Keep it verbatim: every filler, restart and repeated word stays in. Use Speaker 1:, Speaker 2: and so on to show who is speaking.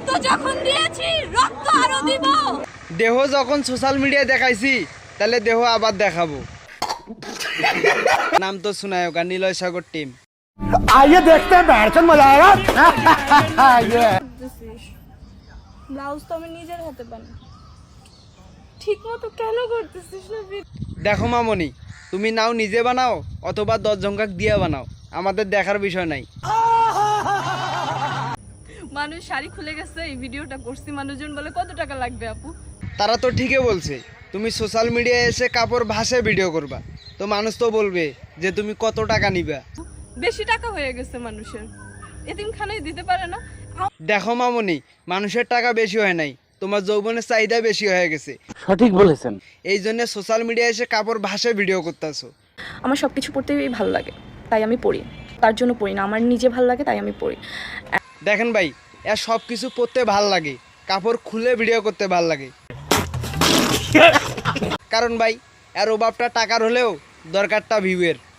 Speaker 1: যখন দিয়েছি রক্ত আরো দিব।
Speaker 2: দেহ যখন সোশ্যাল মিডিয়ায় দেখাইছি তাহলে দেহ আবার দেখাবো। নাম তো শোনায় ওকা নিলয় সাগর টিম।
Speaker 3: आइए देखते हैं बैठन मजा आएगा।
Speaker 1: ব্লাউজ তো আমি নিজের হাতে বানাই, ঠিক মতো কেন করতেছিস না?
Speaker 2: দেখো মামনি, তুমি নাও নিজে বানাও অথবা দশ জনকাক দিয়ে বানাও, আমাদের দেখার বিষয় নাই।
Speaker 1: মানুষ শাড়ি খুলে গেছে, এই ভিডিওটা করছি, মানুষজন বলে কত টাকা লাগবে আপু?
Speaker 2: তারা তো ঠিকই বলছে, তুমি সোশ্যাল মিডিয়ায় এসে কাপড় ভাষায় ভিডিও করবা, তো মানুষ তো বলবে যে তুমি কত টাকা নিবা।
Speaker 1: বেশি টাকা হয়ে গেছে মানুষের, এতিমখানায় দিতে পারে না।
Speaker 2: দেখো মামনি, মানুষের টাকা বেশি হয় নাই, তোমার যৌবনের চাহিদা বেশি হয়ে গেছে।
Speaker 3: সঠিক বলেছেন।
Speaker 2: এই জন্য সোশ্যাল মিডিয়ায় এসে কাপড় ভাষায় ভিডিও করতেছো।
Speaker 4: আমার সব কিছু পড়তেই ভালো লাগে, তাই আমি পড়ি। তার জন্য পড়ি না, আমার নিজে ভালো লাগে তাই আমি পড়ি।
Speaker 2: দেখেন ভাই, এর সব কিছু পরতে ভাল লাগে, কাপড় খুলে ভিডিও করতে ভাল লাগে। কারণ ভাই এর অভাবটা টাকার হলেও দরকারটা ভিউয়ের।